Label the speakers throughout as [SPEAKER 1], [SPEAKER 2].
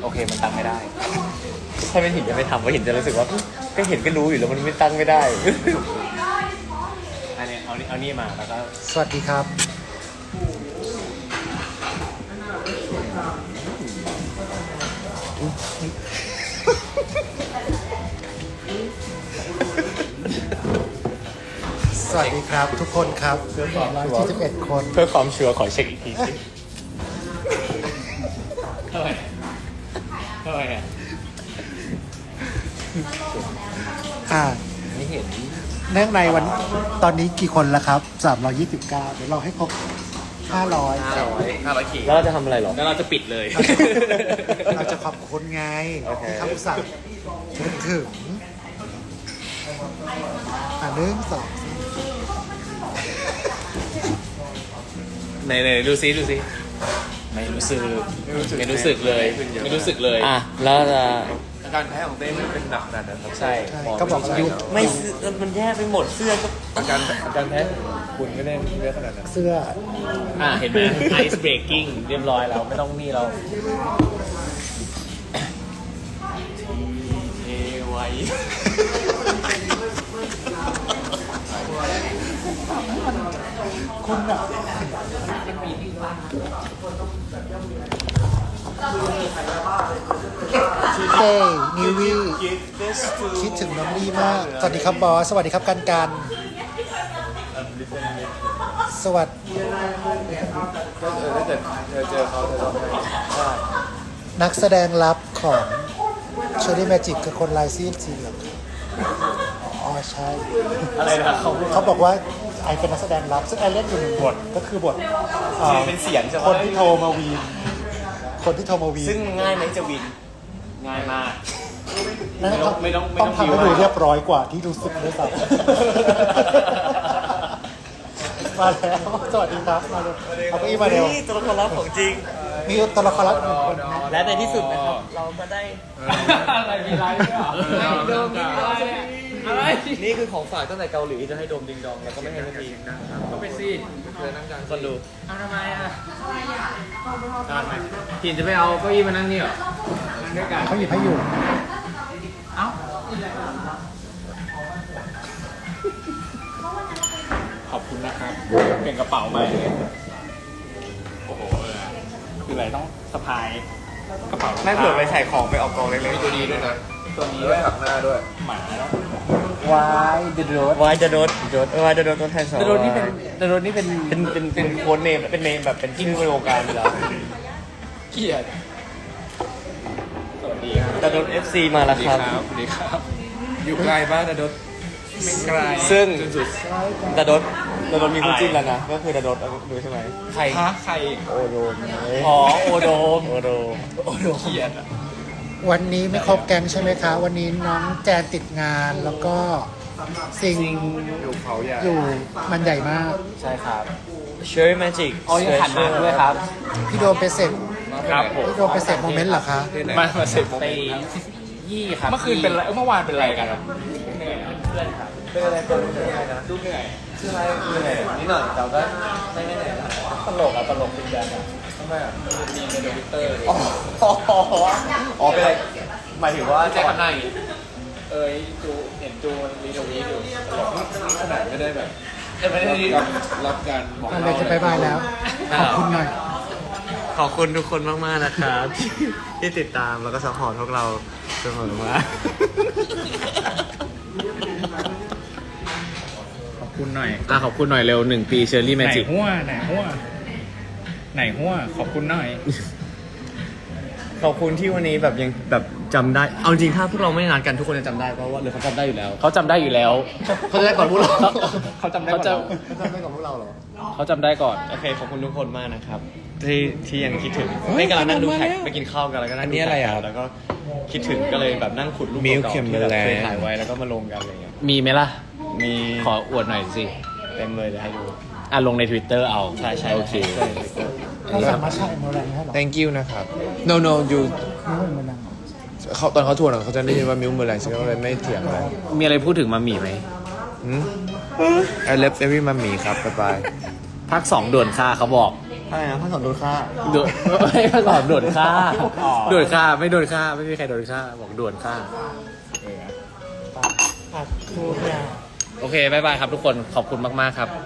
[SPEAKER 1] อเคมันตั้งไม่ได้ถ้าเป็นหินจะไม่ทำเพราะหินจะรู้สึกว่าก็เห็นก็รู้อยู่แล้วมันไม่ตั้งไม่ได้อันนี้เอานี่มาแล้วก็
[SPEAKER 2] สวัสดีครับสวัสดีครับทุกคนครับเพื่อความ171 คน
[SPEAKER 1] เพื่อความชัวร์ขอเช็คอีกทีสิเท่าไหร่อ่ะ ไม่เห็น
[SPEAKER 2] เนื่องในวันตอนนี้กี่คนแล้วครับ329เดี๋ยวเราให้ครบ500
[SPEAKER 3] ขีด
[SPEAKER 1] แล้วเราจะทำอะไรหรอ
[SPEAKER 3] แล้วเราจะปิดเลย
[SPEAKER 2] เราจะขอบคุณไง
[SPEAKER 1] โอเค
[SPEAKER 2] ที่เขาอุตส่าห์นึกถึง1 2
[SPEAKER 3] ไหนดูซิไม่รู้สึกเลย ไม่รู้สึกเลย
[SPEAKER 1] อ่ะแล้วจะ
[SPEAKER 3] อาการแพ้ของเต้มันเป็นหนักขนาดนั้นครับ
[SPEAKER 1] ใช่
[SPEAKER 2] ก็บอกว่า
[SPEAKER 1] ไม่มันแย่ไปหมดเสื้อก็
[SPEAKER 3] อาการแพ้คุณก็ได้เยอะขนาดนั้น
[SPEAKER 2] เสื้อ
[SPEAKER 3] เห็นไหม ice breaking เรียบร้อยแล้วไม่ต้องนี่เราเอไว
[SPEAKER 2] คุณอะเต้นิวี่คิดถึงน้องลี่มาก สวัสดีครับบอส สวัสดีครับกันสวัสดี
[SPEAKER 3] ถ้าเกิดเธอเจอเขาเธอต้องได้
[SPEAKER 2] นักแสดงลับของเชอรี่แมจิกคือคนลายซีดสีเหลืองอ๋อใช่
[SPEAKER 3] อะไรนะเขา
[SPEAKER 2] บอกว่าไอเป็นนักแสดงลับ ซึ่งไอเล่นอยู่หนึ่งบทก็คือบท
[SPEAKER 1] เป็นเสียงใช่ไหม
[SPEAKER 2] คนที่โทรมาวีนคนที่โทรมาวีน
[SPEAKER 1] ซึ่งง่ายไหมจะวิน
[SPEAKER 3] ง่ายมาก
[SPEAKER 2] นั่นต้อง
[SPEAKER 3] ไม่ต้อง
[SPEAKER 2] ต้องทำให้ดูเรียบร้อยกว่าที่รู้สึกด้วยซ้ำมาแล้ว สวัสดีครับมาเร็วเอาไปอีกมาเร็ว
[SPEAKER 1] นี่ตัวละครลับของจริง
[SPEAKER 2] มีตัวละครลับหนึ่งคน
[SPEAKER 1] และในที่สุดนะครับ เราก็ได้
[SPEAKER 3] อะไรมีไรด้วยเหรอโดมมีอะไร
[SPEAKER 1] นี่คือของฝากตั้งแต่เกาหลีจะให้โดมดิงดองแล้วก็ไม่ให้นาที
[SPEAKER 3] ก็ไปสิเธอนั่งกลาง
[SPEAKER 1] คนดู
[SPEAKER 3] เอาทำไมทำไมทีนจะไปเอาเก้าอี้มานั่งนี่เหรอด้วยกัน
[SPEAKER 2] เขาหยิบให้อยู่
[SPEAKER 3] เอ้าขอบคุณนะครับเปลี่ยนกระเป๋าใหม่เลยโอ้โหคืออะไรต้องสะพายกระเป๋า
[SPEAKER 1] ไม่เผื่อไปใส่ของไปออกกองเล็ก
[SPEAKER 3] มีตัวนี้ด้วยนะตัวนี้ด้วยหักหน้าด้วยหมา
[SPEAKER 2] วายเดอะโรด
[SPEAKER 1] ๆวายจะโดนตัวแทนสอง
[SPEAKER 3] แต่รถนี่เป็น
[SPEAKER 1] เป็นโค้ดเนมเป็นเนมแบบเป็นที่ในวงการอยู่แล้ว
[SPEAKER 3] เกียรติสวัสดีครับ
[SPEAKER 1] จะโดน FC มาแล้วครับ
[SPEAKER 3] สวัสดีครับ อยู่ไกลบ้านนะดดไม่ไกล
[SPEAKER 1] ซึ่ง
[SPEAKER 3] จนสุด
[SPEAKER 1] ดาโดนมีคู่จิ้นแล้วนะ ก็คือดาโดนดูใช่ไหม
[SPEAKER 3] ใครใคร
[SPEAKER 1] โอโดม
[SPEAKER 3] อ๋อโอโดม
[SPEAKER 1] โอโดม
[SPEAKER 3] เกียรติอะ
[SPEAKER 2] วันนี้ไม่ครบแก๊งใช่ไหมคะ วันนี้น้องแจนติดงานแล้วก็ซิง
[SPEAKER 3] อยู่เขาใหญ่
[SPEAKER 2] อยู่มันใหญ่มาก
[SPEAKER 3] ใช่ครับ
[SPEAKER 1] Cherry Magic
[SPEAKER 3] อ๋อยังขันมาด้วยครับ
[SPEAKER 2] พี่โดมไปเสร็จ
[SPEAKER 3] ครับผม
[SPEAKER 2] พี่โดมไปเสร็จโมเมนต์เหรอคะ
[SPEAKER 3] มาเสร็จไปยี่ครับเมื่อคืนเป็นไรเมื่อวานเป็นไรกันอะเหนื่อยเพื่อนครับ
[SPEAKER 1] เป็นอะไรเป็นอะไรนะ
[SPEAKER 3] ดูเหนื่อย
[SPEAKER 1] ชื่ออะไรคืออะไรนิดหน่อยแต่ก็ไม่แน่นะ
[SPEAKER 3] ตลกอะตลกเป็นกันอะทำไมอะมีในทวิตเตอร์
[SPEAKER 1] อ๋อเป็นอะไรหมายถึงว่า
[SPEAKER 3] แจ็คทำหน้าอย่างงี้จูเห็นจูมันรีทวีตอยู่ตลกนี่ขนาดไม่ได้แบบไม่ได้รับการบอก
[SPEAKER 2] อะไร
[SPEAKER 3] เล่า
[SPEAKER 2] จะบายบายแล้ว ขอบคุณหน่อย
[SPEAKER 1] ขอบคุณทุกคนมากๆนะครับที่ติดตามแล้วก็ซัพพอร์ตพวกเราเสมอมา
[SPEAKER 3] ขอบคุณหน่อยขอบคุณหน่อยเร็ว1 ปีเชอร์รี่แมจิกไหนหัวขอบคุณหน่อย
[SPEAKER 1] ขอบคุณที่วันนี้แบบยังแบบจำได้ เอาจริงถ้าพวกเราไม่ได้นัดกันทุกคนจะจำได้เพราะว่าหรือเขาจำได้อยู่แล้ว
[SPEAKER 3] เขาจำได้อยู่แล้ว
[SPEAKER 1] เขาจะได้ก่อนพวกเรา
[SPEAKER 3] เขาจำได้ก่อนเรา
[SPEAKER 1] เขาจำได้ก่อนพวกเราเหรอ
[SPEAKER 3] เขาจำได้ก่อน
[SPEAKER 1] โอเคขอบคุณทุกคนมากนะครับที่ยังคิดถึงไม่กำลังนั่งดูแท็กไปกินข้าวกันแล้วก็นั่งดูแท็กแล้วก็คิดถึงก็เลยแบบนั่งขุดรูปเก่าๆที่แบบเคยถ่ายไว้แล้วก็มาลงกันอะไรเงี้ย
[SPEAKER 3] มีไหมล่ะ
[SPEAKER 1] มี
[SPEAKER 3] ขออวดหน่อยสิ
[SPEAKER 1] เต็มเลยเดี๋ยวให้ดู
[SPEAKER 3] ลงใน Twitter เอา
[SPEAKER 1] ใช่
[SPEAKER 3] โอเค
[SPEAKER 2] เขาสามารถใช้โมแรงให้หรอ
[SPEAKER 4] thank you นะครับ no you
[SPEAKER 2] นี่มันมันนัง
[SPEAKER 4] เขาตอนเขาทวนเขาจะได้ยินว่ามิวเมอร์แรงฉันก็เลยไม่เถียงอะไร
[SPEAKER 3] มีอะไรพูดถึงมามีไหม
[SPEAKER 4] I love every มัมมี่ครับบ๊ายบาย
[SPEAKER 3] ภาค 2ด่วนค่าเขาบอก
[SPEAKER 1] อะไรนะพระสอนโดนฆ่า
[SPEAKER 4] โดนไม่พระสอนโดนฆ่าโดนฆ่าไม่โดนฆ่าไม่มีใครโดนฆ่าบอกโดนฆ่า
[SPEAKER 2] อัดคูเนี่ย
[SPEAKER 4] โอเคบายบายครับทุกคนขอบคุณมากๆครับ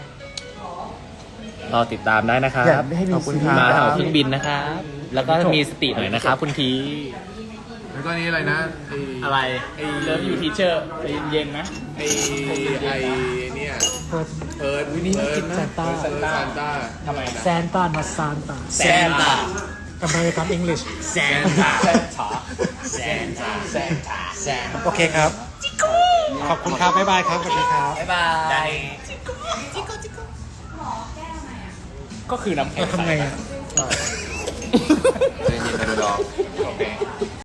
[SPEAKER 4] รอติดตามได้นะครับ
[SPEAKER 2] อยากให้มี
[SPEAKER 4] ขอบคุณ
[SPEAKER 2] ซีรีส์
[SPEAKER 4] มาแถวเครื่องบินนะครับแล้วก็มีสติหน่อยนะครับคุณที
[SPEAKER 3] แล้วก็นี้อะไรนะ
[SPEAKER 4] อะไร
[SPEAKER 3] เลิฟยูทีเชอร์เย็นๆนะ
[SPEAKER 4] ไอเนี่ย
[SPEAKER 2] เพิร์ด
[SPEAKER 4] เอิร์ด
[SPEAKER 2] วินี่กินซานต้า
[SPEAKER 4] ซานต้า
[SPEAKER 3] ทำไมนะ
[SPEAKER 2] แซนต้ามาซานต้า
[SPEAKER 4] แซนต้า
[SPEAKER 2] อเมริกันอังกฤษ
[SPEAKER 4] แซนต้า
[SPEAKER 3] แซนต้าแซนต้าแซนต้าแซน
[SPEAKER 2] โอเคครับ ขอบคุณครับ บ๊ายบายครับ สวัสดีครับ
[SPEAKER 4] บ๊ายบาย
[SPEAKER 3] ก็คือน้ำแข็ง
[SPEAKER 2] ทำไงอ่ะ
[SPEAKER 1] เย็นๆนะดอก
[SPEAKER 3] โอเค